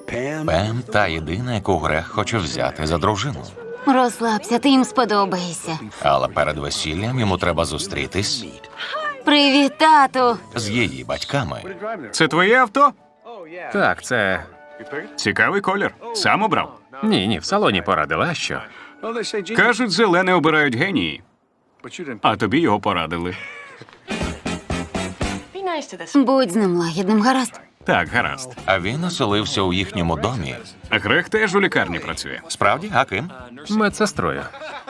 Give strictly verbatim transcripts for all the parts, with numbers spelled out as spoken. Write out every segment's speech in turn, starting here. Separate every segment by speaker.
Speaker 1: Пем та єдина, яку Грег хоче взяти за дружину.
Speaker 2: Розслабся, ти їм сподобаєшся.
Speaker 1: Але перед весіллям йому треба зустрітись
Speaker 2: Привіт, тату!
Speaker 1: з її батьками.
Speaker 3: Це твоє авто?
Speaker 4: Так, це...
Speaker 3: Цікавий колір. Сам обрав.
Speaker 4: Ні, ні, в салоні порадила, а що?
Speaker 3: Кажуть, зелене обирають генії. А тобі його порадили.
Speaker 2: Будь з ним лагідним, гаразд?
Speaker 3: Так, гаразд.
Speaker 1: А він оселився у їхньому домі.
Speaker 3: А Грег теж у лікарні працює.
Speaker 1: Справді, а ким?
Speaker 4: Медсестрою.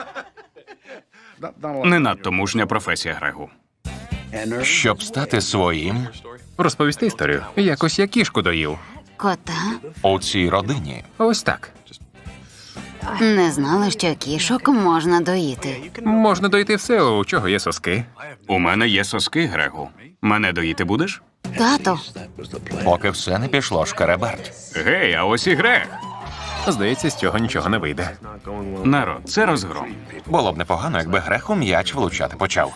Speaker 3: Не надто мужня професія Грегу.
Speaker 1: Щоб стати своїм
Speaker 4: Розповісти історію. Якось я кішку доїв.
Speaker 2: Кота?
Speaker 1: у цій родині.
Speaker 4: Ось так.
Speaker 2: Не знала, що кішок можна доїти.
Speaker 4: Можна дойти все, у чого є соски.
Speaker 3: У мене є соски, Грегу. Мене доїти будеш?
Speaker 2: Тато,
Speaker 1: Поки все не пішло шкереберть.
Speaker 3: Гей, а ось і Грег.
Speaker 4: Здається, з цього нічого не вийде.
Speaker 3: Народ, це розгром.
Speaker 1: Було б непогано, якби Грег у м'яч влучати почав.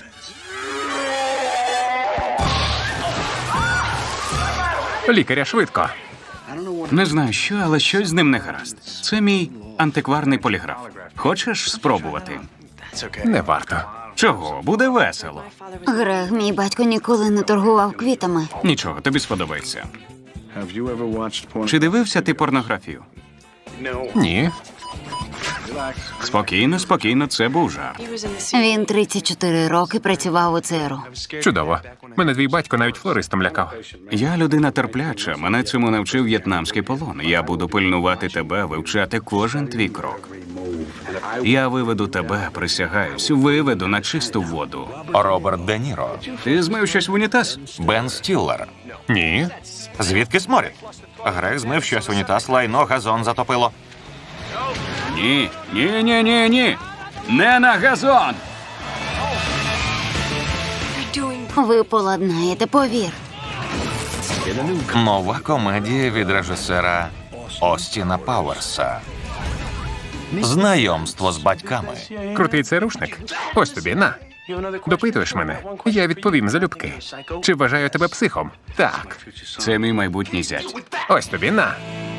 Speaker 4: Лікаря, швидко.
Speaker 3: Не знаю що, але щось з ним не гаразд. Це мій антикварний поліграф. Хочеш спробувати?
Speaker 4: Не варто.
Speaker 3: Чого? Буде весело.
Speaker 2: Грег, мій батько ніколи не торгував квітами.
Speaker 3: Нічого, тобі сподобається. Чи дивився ти порнографію?
Speaker 4: Ні.
Speaker 3: Спокійно, спокійно, це був жарт.
Speaker 2: Він тридцять чотири роки працював у ЦРУ.
Speaker 4: Чудово. Мене твій батько навіть флористом лякав.
Speaker 3: Я людина терпляча, мене цьому навчив в'єтнамський полон. Я буду пильнувати тебе, вивчати кожен твій крок. Я виведу тебе, присягаюсь, виведу на чисту воду.
Speaker 1: Роберт Де Ніро.
Speaker 3: Ти змив щось в унітаз?
Speaker 1: Бен Стіллер.
Speaker 4: Ні.
Speaker 1: Звідки сморід? Грег змив щось в унітаз, лайно, газон затопило.
Speaker 3: Ні, ні, ні, ні, ні. Не на газон!
Speaker 2: Ви поладнаєте, повір.
Speaker 1: Нова комедія від режисера Остіна Пауерса. Знайомство з батьками.
Speaker 4: Крутий церушник. Ось тобі, на. Допитуєш мене? Я відповім залюбки. Чи вважаю тебе психом? Так.
Speaker 3: Це мій майбутній зять.
Speaker 4: Ось тобі, на.